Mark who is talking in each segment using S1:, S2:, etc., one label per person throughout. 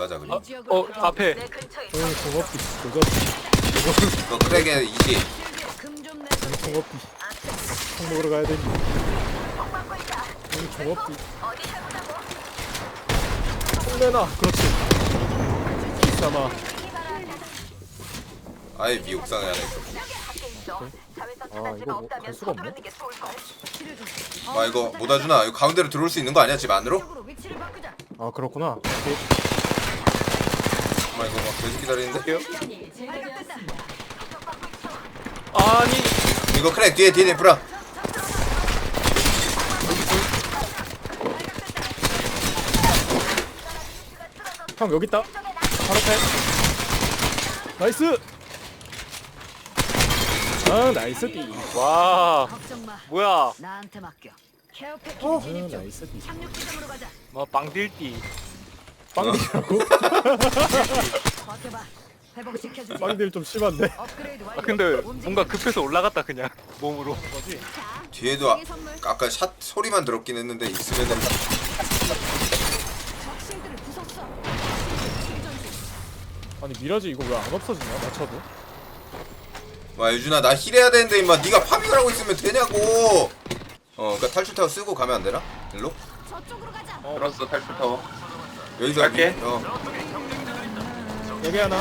S1: 가자 그리고.
S2: 앞에.
S3: 공업기 조졌지.
S1: 이거 크랙에 20.
S3: 공업기 총 먹으러 가야 되니. 공업기 총 내놔. 그렇지. 비싸마.
S1: 아예 미옥상에 하나 있어.
S3: 아 이거 뭐 갈 수가 없네.
S1: 아 이거 못 와주나? 이거 가운데로 들어올 수 있는 거 아니야? 집 안으로?
S3: 아 그렇구나.
S1: 아 이거 막 계속 기다리는데?
S2: 아니.
S1: 이거 크랙 뒤에 브라.
S3: 형 여기 있다. 바로 앞에. 나이스. 아 나이스 띠.
S2: 와. 뭐야.
S4: 나한테 맡겨. 케어
S3: 아
S4: 패키지 진입 중.
S3: 나이스 띠.
S4: 착륙 지점으로 가자.
S2: 뭐 빵딜띠.
S3: 빵딜이라고?
S4: 버텨봐. 회복시켜주지.
S3: 빵딜 좀 심한데.
S4: 업그레이드 완료.
S2: 아 근데 뭔가 급해서 올라갔다 그냥 몸으로.
S3: 뭐지?
S1: 뒤에도 아까 샷 소리만 들었긴 했는데 있으면은
S4: 적실들을 부쉈어.
S3: 아니 미라지 이거 왜 안 없어지냐? 맞춰도.
S1: 와 유준아 나 힐해야 되는데 임마 네가 파밍을 하고 있으면 되냐고. 그러니까 탈출 타워 쓰고 가면 안 되나? 일로?
S4: 저쪽으로 가자.
S5: 들었어 탈출 타워.
S1: 여기서
S5: 갈게.
S3: 여기 하나.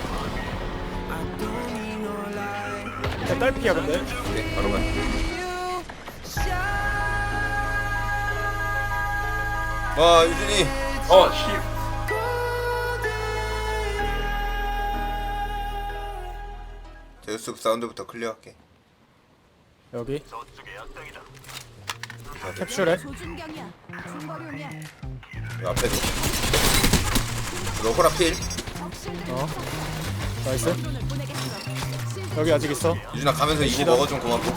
S3: 야, 딸피야 근데.
S1: 오케이 바로 가. 와 유준이
S5: 씨.
S1: 제우스 사운드부터 클리어할게.
S3: 여기. 캡슐에.
S4: 조준경이야. 중거리용이야.
S1: 이 앞에도. 로코라 필.
S4: 적실들을
S3: 어.
S4: 부쉈어.
S3: 나이스.
S4: 드론을 보내겠어. 실드
S3: 여기 아직 있어.
S1: 유준아 가면서 이거 먹어 좀 고맙고.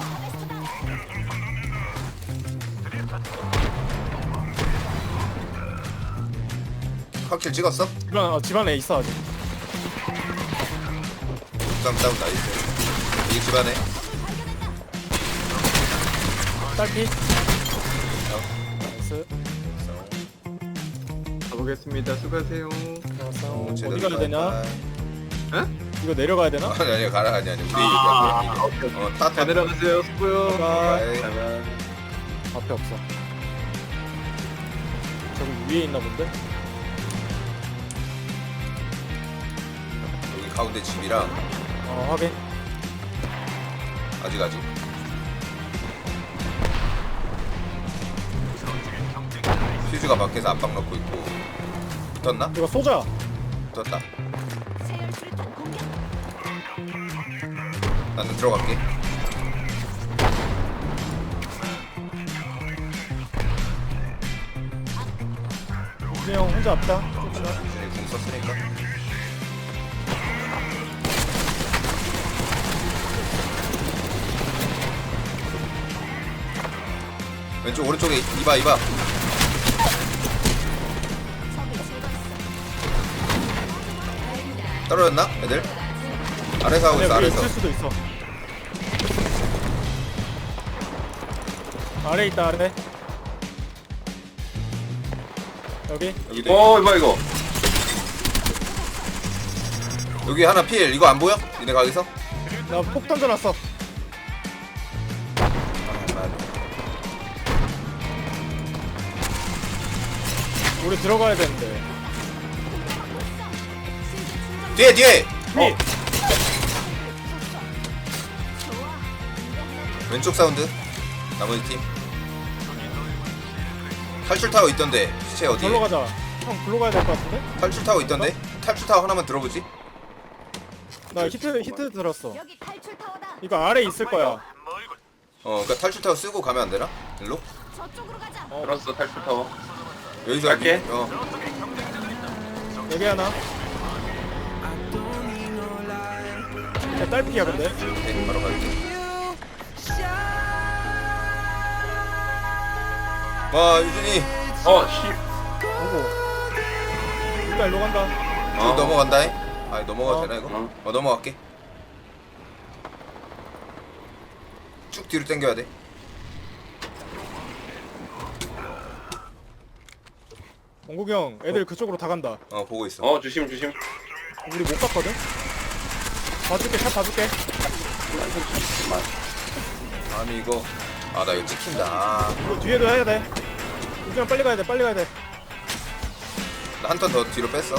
S1: 컷킬 찍었어?
S3: 집안에 있어 아직.
S1: 다운 나이스. 이게 집안에.
S3: 딸피. 나이스.
S5: 가보겠습니다. 수고하세요.
S3: 나왔어.
S1: 제대로
S3: 어디 가야 되냐?
S5: 응?
S3: 이거 내려가야 되나?
S1: 아니 가라 아니 우리 얘기야.
S5: 잘
S1: 타타.
S5: 내려가세요. 수고요.
S3: 가.
S5: 바이바이.
S3: 앞에 없어. 저기 위에 있나 본데?
S1: 여기 가운데 집이랑
S3: 확인.
S1: 아직. 퓨즈가 밖에서 압박 넣고 있고. 붙었나?
S3: 이거 쏘자.
S1: 붙었다.
S4: 세열 수류탄 공격.
S1: 나는 들어갈게.
S3: 이제 형 혼자 앞다. 쫓지마.
S1: 공 썼으니까. 왼쪽 오른쪽에 이봐.
S4: 적을 제거했어.
S1: 떨어졌나? 애들? 아래서 하고 있어
S3: 위에
S1: 아래서.
S3: 있을 수도 있어. 아래 있다 아래. 여기.
S1: 여기도
S5: 이거.
S1: 여기 하나 필. 이거 안 보여? 니네 가기서?
S3: 나 폭 던져놨어. 우리 들어가야 되는데.
S1: 뒤에.
S3: 위.
S1: 왼쪽 사운드. 나머지 팀. 탈출 타워 있던데. 시체 어디에?
S3: 절로 가자. 형 글로 가야 될 것 같은데?
S1: 탈출 타워 있던데? 탈출 타워 하나만 들어보지.
S3: 나 히트 들었어.
S4: 여기 탈출 타워다.
S3: 이거 아래 있을 거야.
S1: 그러니까 탈출 타워 쓰고 가면 안 되나? 일로?
S4: 저쪽으로 가자.
S5: 들었어 탈출 타워.
S1: 여기서
S5: 갈게.
S3: 여기 하나. 야, 딸피야 근데.
S1: 오케이, 바로 갈게. 와 유준이
S5: 씨.
S3: 오고. 일단 일로 간다.
S1: 쭉 넘어간다잉. 아 넘어가도 되나 이거? 넘어갈게. 쭉 뒤로 당겨야 돼.
S3: 원국이 형 애들 그쪽으로 다 간다.
S1: 보고 있어.
S5: 어 조심 조심.
S3: 우리 못 갔거든? 봐줄게, 샷 봐줄게.
S1: 아니 이거 나 이거 찍힌다.
S3: 이거 뒤에도 해야 돼. 우주형 빨리 가야 돼, 빨리 가야 돼.
S1: 나 한 턴 더 뒤로 뺐어.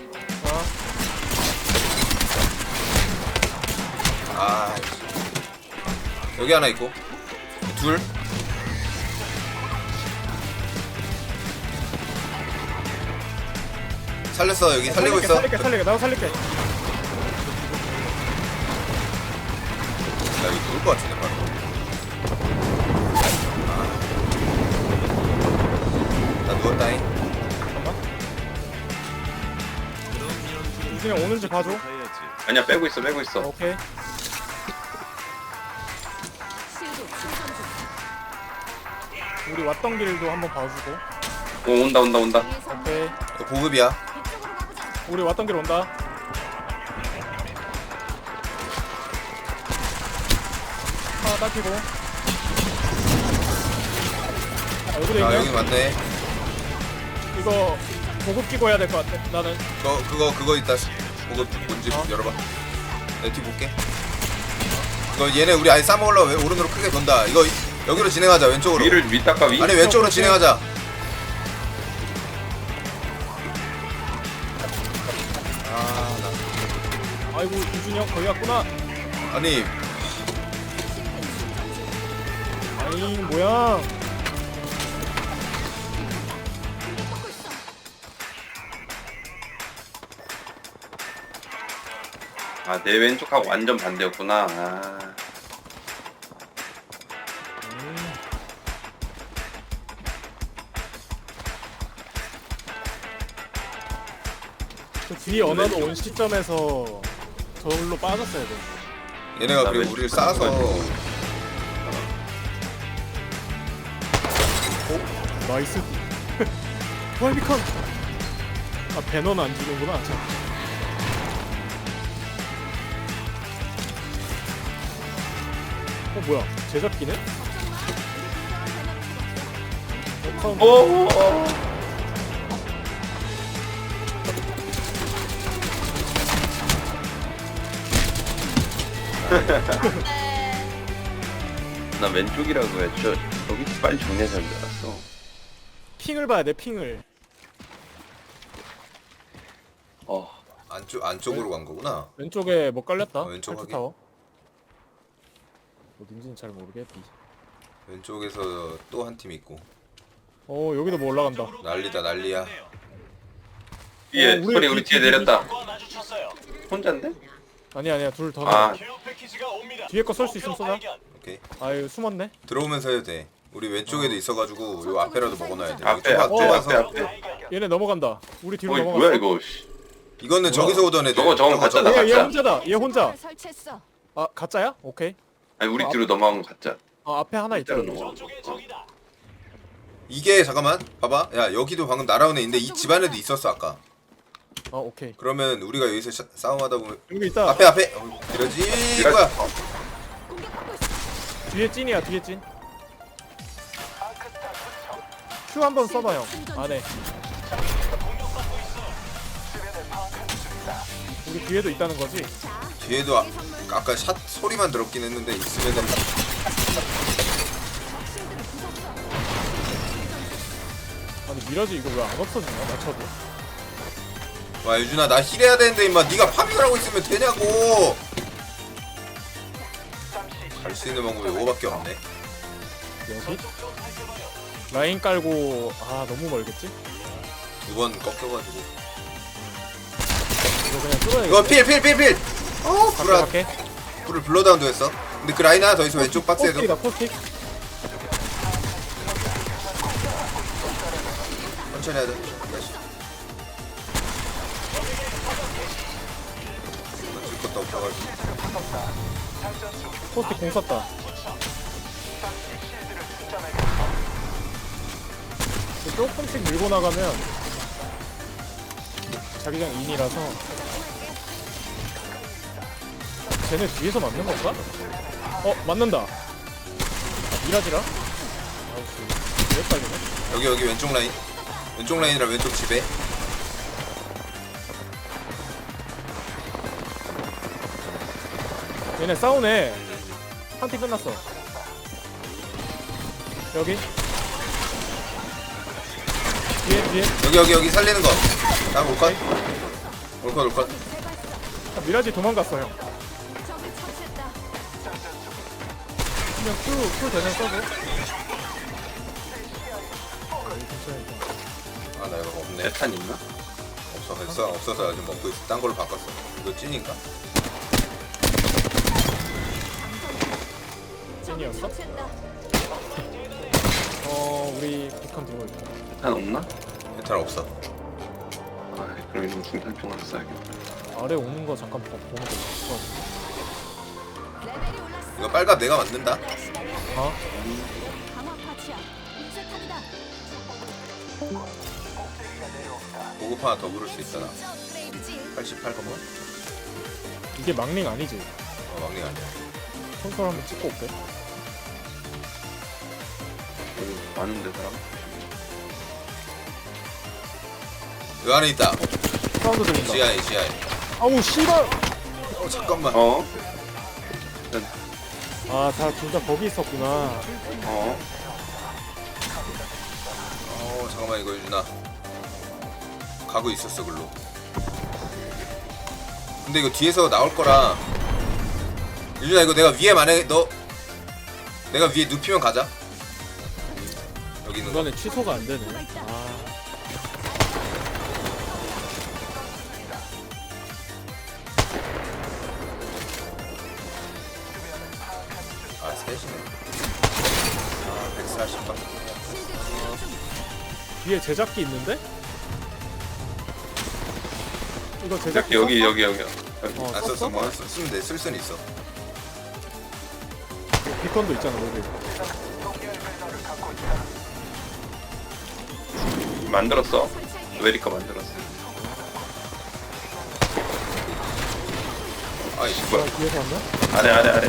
S1: 여기 하나 있고 둘. 살렸어. 여기 살리고 있어.
S3: 살릴게. 나도 살릴게.
S1: 나 여기 누울 것 같은데 바로. 나 누웠다잉.
S3: 잠깐만. 우준이 형 오는지 봐줘.
S5: 아니야 빼고 있어 빼고 있어.
S3: 오케이.
S4: 실드 충전 중.
S3: 우리 왔던 길도 한번 봐주고.
S5: 오 온다.
S4: 위에서
S3: 오케이.
S1: 이거 보급이야.
S4: 이쪽으로 가보자.
S3: 우리 왔던 길 온다. 하나 딸피고. 여기도
S1: 아
S3: 있네.
S1: 여기 맞네.
S3: 이거 보급 끼고 해야 될 것 같아. 나는.
S1: 그거 있다. 보급 뭔지 열어봐. 내 뒤 볼게. 이거 얘네 우리 아예 싸먹으려고 오른으로 크게 돈다. 이거 여기로 진행하자. 왼쪽으로.
S5: 위를 위 닦아 위.
S1: 아니 왼쪽으로
S3: 오케이.
S1: 진행하자.
S3: 아이고 우준이 형 거기 갔구나.
S1: 아니
S3: 아이 뭐야.
S5: 아 내 왼쪽하고 완전 반대였구나.
S3: 그 뒤에 언어도 온 시점에서 저걸로 빠졌어야 돼.
S1: 얘네가 그리고 우리를 싸서
S3: 나이스. 와이비컨. 배너는 안 주는구나. 참. 뭐야? 제작기네? 처음.
S5: 오. 나 왼쪽이라고 했죠. 여기 빨리 정리해서 줄 알았어.
S3: 핑을 봐야 돼. 핑을.
S1: 안쪽으로 간 거구나.
S3: 왼쪽에 뭐 깔렸다.
S1: 왼쪽
S3: 탈출
S1: 확인.
S3: 타워. 어딘지는 잘 모르겠지.
S1: 왼쪽에서 또 한 팀 있고.
S3: 여기도 뭐 올라간다.
S1: 난리야.
S5: 위에
S3: 우리
S5: 소리 우리
S3: 뒤-
S5: 뒤에 내렸다. 혼자인데?
S3: 아니야 둘 더.
S5: 아
S3: 뒤에 거 쏠 수 있으면 쏘자.
S1: 오케이.
S3: 아유 숨었네.
S1: 들어오면서 해도 돼. 우리 왼쪽에도 있어가지고 요 앞에라도 먹어놔야 돼.
S5: 앞에
S1: 여기
S5: 앞에.
S3: 얘네 넘어간다. 우리 뒤로
S5: 어이
S3: 넘어갔어.
S5: 뭐야 이거. 씨.
S1: 이거는 저기서 오던 애들.
S5: 저거 가짜 나
S3: 얘
S5: 가짜.
S3: 혼자다. 얘 혼자.
S4: 설치했어.
S3: 아 가짜야? 오케이.
S5: 아니 우리 뒤로 넘어간 거 가짜.
S3: 앞에 하나 있잖아.
S5: 진짜로 넘어간 거.
S1: 이게 잠깐만 봐봐. 야 여기도 방금 날아온 애인데 이 집안에도 있었어 아까.
S3: 오케이.
S1: 그러면 우리가 여기서 싸움하다 보면
S3: 여기 있다.
S1: 앞에 이러지 이거야.
S4: 공격받고 있어.
S3: 뒤에 찐이야. 뒤에 찐. Q 한번 써봐 형. 안에. 우리 뒤에도 있다는 거지?
S1: 뒤에도 아까 샷 소리만 들었긴 했는데 있으면은
S3: 아니 미라지 이거 왜 안 없어지냐? 맞춰도.
S1: 와 유준아 나 힐해야 되는데 임마 네가 파밍을 하고 있으면 되냐고. 갈 수 있는 방법이 이거밖에 없네.
S3: 여기? 라인 깔고 너무 멀겠지?
S1: 두 번 꺾여가지고.
S3: 이거 그냥 뚫어야겠다.
S1: 이거 필. 불아
S3: 갈게.
S1: 불을 블러다운도 했어. 근데 그 라인 하나 더 있어 왼쪽 박스에도.
S3: 포스틱이다 포스틱.
S1: 천천히 하자. 줄 것도 없어가지고.
S3: 포스틱 공 썼다. 조금씩 밀고 나가면 자기장 인이라서 쟤네 뒤에서 맞는 건가? 맞는다. 미라지라? 아우씨 왜 빨리네?
S1: 여기 왼쪽 라인. 왼쪽 라인이라 왼쪽 집에.
S3: 얘네 싸우네. 한 팀 끝났어. 여기. 뒤에.
S1: 여기 살리는 거. 나 올컷. 올컷.
S3: 아, 미라지 도망갔어 형.
S4: 적을 처치했다.
S3: 그냥 큐 대전 써도. 여기 근처에 있다.
S1: 아 나 이거 없네.
S5: 대탄 있나?
S1: 없어서 지금 먹고 있어. 딴 걸로 바꿨어. 이거 찐인가?
S4: 적을
S3: 찐이었어?
S4: 처치했다.
S3: 우리 비컨 들고 있다.
S5: 대탄 없나?
S1: 대탄 없어.
S5: 아 그럼 이건 중탄총으로 써야겠다.
S3: 아래 오는 거 잠깐 보는 거 좋을
S4: 레벨이 올랐어.
S1: 이거 빨갑 내가 만든다.
S3: 어?
S4: 강화 파츠야. 인쇄탄이다.
S1: 보급 하나 더 부를 수 있다 나.
S4: 진짜 업그레이드지.
S1: 88번?
S3: 이게 막링 아니지?
S1: 막내 아니야.
S3: 콘솔 한번 찍고 올게.
S5: 여기 많은데 사람?
S1: 이 안에 있다.
S3: 사운드 들린다.
S1: 지하에.
S3: 아우 씨발.
S1: 잠깐만.
S5: 어?
S3: 다 둘 다 거기 있었구나.
S5: 어?
S1: 잠깐만 이거 유준아. 가고 있었어 글로. 근데 이거 뒤에서 나올 거라. 유준아 이거 내가 위에 만약에 내가 위에 눕히면 가자. 여기 있는 거.
S3: 이번에 취소가 안 되네.
S1: 셋이네. 140방.
S3: 뒤에 제작기 있는데? 이거 제작기
S5: 여기
S3: 썼어?
S5: 여기.
S1: 안 썼어? 뭐 쓰면 돼. 쓸 수는 있어.
S3: 비컨도 있잖아 여기.
S5: 만들었어. 웨리카 만들었어.
S1: 아이
S5: 뭐야?
S3: 뒤에서 왔나?
S5: 아래.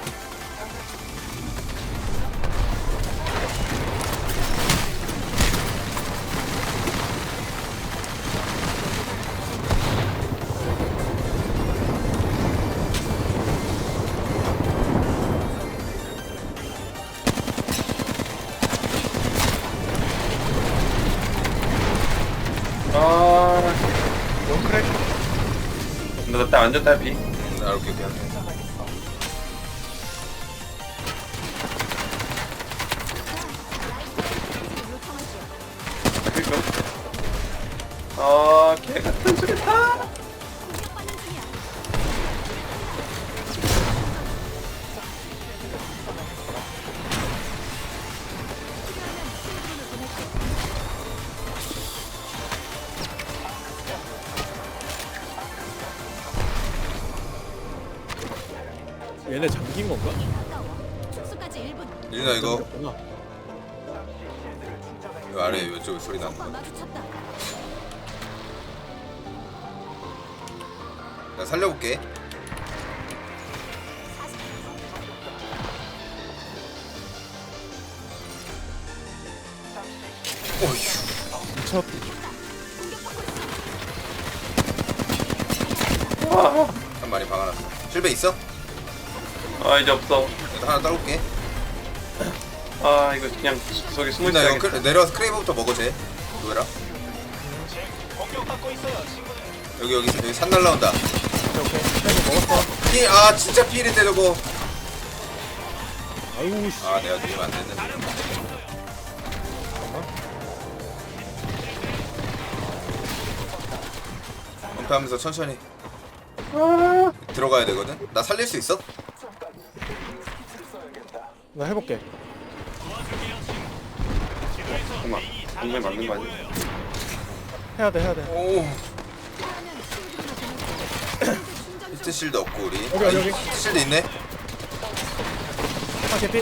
S3: 원크랙.
S5: 나 완전 딸피.
S1: 나 이렇게 그냥.
S5: 개 같은 소리다.
S4: 공격받는 중이야.
S3: 얘네 잠긴 건가?
S4: 가까워. 축소까지 1분.
S1: 유준아 이거
S3: 잠겼구나.
S1: 아래 이쪽에 소리 나는
S4: 적과
S1: 거.
S4: 마주쳤다.
S1: 나 살려볼게. 어휴.
S3: 미쳤.
S1: 한 마리 박아놨어. 실베 있어?
S5: 아 이제 없어.
S1: 일단 하나 따올게.
S5: 아 이거 그냥 속에 숨을
S1: 유준아 이거
S5: 시작했다.
S1: 내려와서 크레이브부터 먹어 쟤. 누구라? 여기 산 날라온다.
S3: 오케이. 이거 먹었어.
S1: 피, 아 진짜 피일인데 저거.
S3: 아이고 씨.
S1: 아 내가 누르면 안 됐는데. 은폐하면서 천천히 들어가야 되거든. 나 살릴 수 있어?
S3: 나 해볼게.
S5: 잠깐만. 정말 맞는 거 아니야?
S3: 해야 돼.
S1: 오. 히트 실드 없고 우리.
S3: 여기.
S1: 히트 실드 있네.
S3: 개피.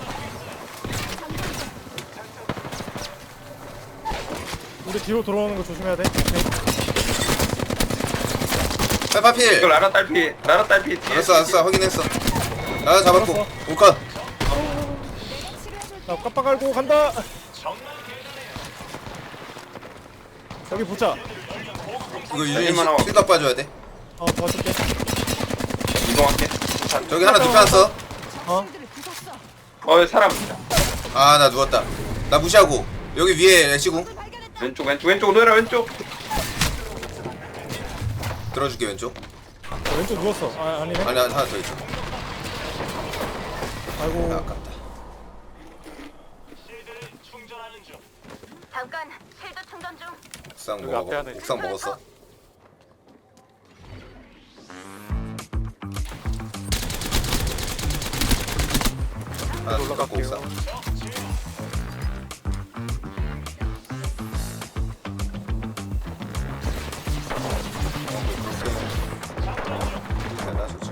S3: 우리 뒤로 돌아오는 거 조심해야 돼. 오케이.
S1: 페파필.
S5: 이거 라라 딸피 뒤에.
S1: 알았어 확인했어. 나 잡았고.
S3: 알았어.
S1: 오컷.
S3: 나 깜빡 깔고 간다. 여기 보자.
S1: 이거 유진이
S5: 일만 하고.
S1: 실각 빠져야 돼.
S3: 도와줄게.
S5: 이동할게.
S1: 저기 하나 눕혀놨어.
S4: 친구들을 부쉈어.
S5: 사람.
S1: 아 나 누웠다. 나 무시하고 여기 위에 애쉬궁
S4: 발견했다.
S5: 왼쪽 노예라 왼쪽.
S1: 들어줄게 왼쪽.
S3: 왼쪽 누웠어. 아니네.
S1: 아니 하나 더 있어.
S3: 아이고.
S1: 아깝다.
S4: 잠깐 쉴드 충전 중.
S1: 옥상
S2: 여기 앞에
S1: 먹어.
S2: 하나 있어.
S1: 옥상 먹었어. 하나 더 갖고
S2: 올라갈게요.
S1: 옥상. 나 좋지.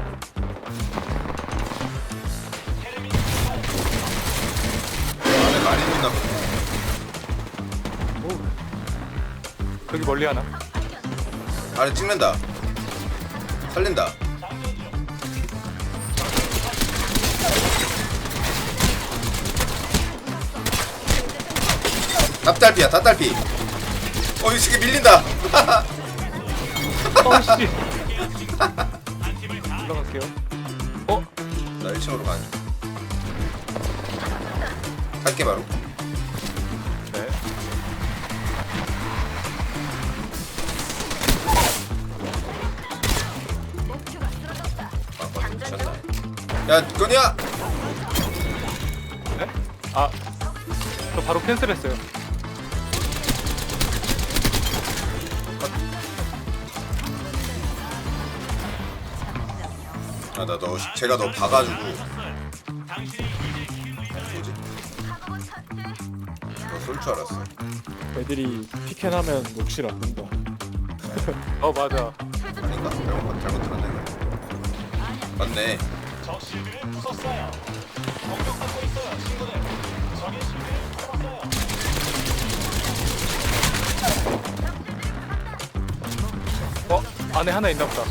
S1: 안에 많이 있나 보네.
S2: 저기 멀리 하나.
S1: 아래 찍는다. 살린다. 닭달피야, 닭달피. 이 새끼 밀린다.
S2: 어씨. 올라갈게요.
S1: 나 1층으로 가는 중. 갈게 바로.
S2: 네.
S4: 목표가 쓰러졌다.
S1: 미쳤다. 야, 건이야.
S2: 네? 아, 저 바로 캔슬했어요.
S1: 아, 제가 너 봐가지고. 뭐지? 너 쏠 줄 알았어.
S3: 애들이 피켄하면 녹실 안 된다.
S2: 맞아.
S1: 아닌가? 잘못 들었네. 맞네.
S2: 안에 하나 있나 보다.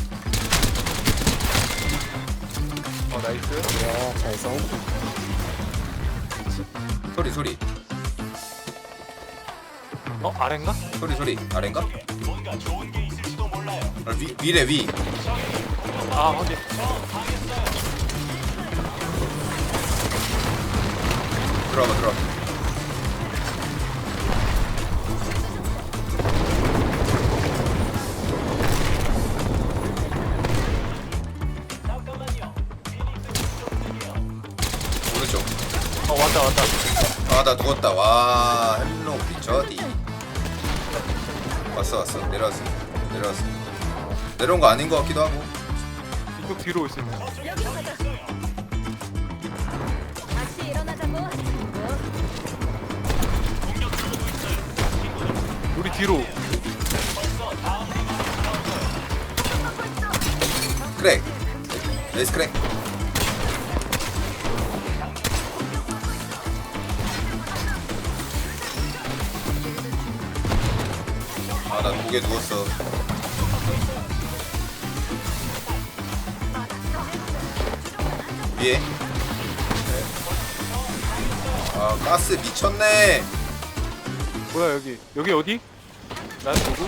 S2: 나이스.
S3: 야, 잘 싸운다.
S1: 소리.
S2: 아래인가?
S1: 소리. 아래인가? 위래 위.
S2: 아, 확인.
S1: 들어가. 오른쪽.
S2: 왔다.
S1: 아, 나 누웠다. 와, 헬로 비처디. 왔어. 내려왔어. 내려온 거 아닌 거 같기도 하고.
S2: 이쪽 뒤로 올 수 있네.
S4: 여기로 가자. 다시 일어나자고.
S2: 우리 뒤로.
S1: 크랙. 레이스 크랙. 아, 나 목에 누웠어. 위에. 아, 가스 미쳤네.
S2: 뭐야 여기? 여기 어디? 난 누구?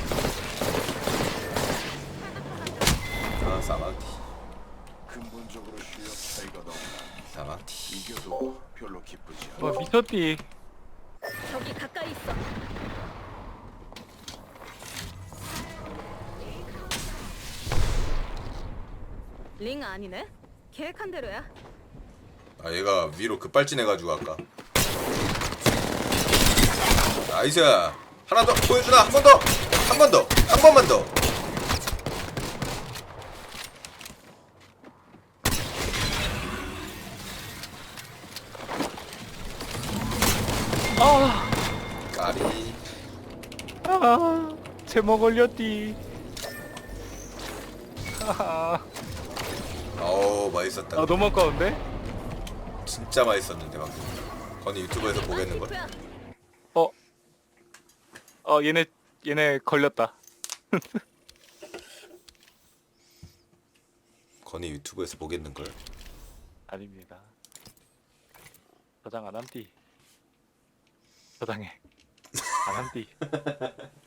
S1: 아, 사막티.
S6: 근본적으로 실력 차이가 너무 나.
S1: 사막티.
S6: 이겨도 별로 기쁘지 않아.
S2: 미쳤디.
S4: 저기 가까이 있어. 링 아니네. 계획한 대로야.
S1: 아, 얘가 위로 급발진해가지고 아까. 나이스. 하나 더 보여주나? 한 번만 더. 까리.
S2: 제목 걸렸디.
S1: 어우, 맛있었다.
S2: 너무 아까운데?
S1: 진짜 맛있었는데 방금. 건이 유튜브에서 보겠는걸?
S2: 얘네 걸렸다.
S1: 건이 유튜브에서 보겠는걸?
S2: 아닙니다. 저장 안 함띠. 저장해. 안 한띠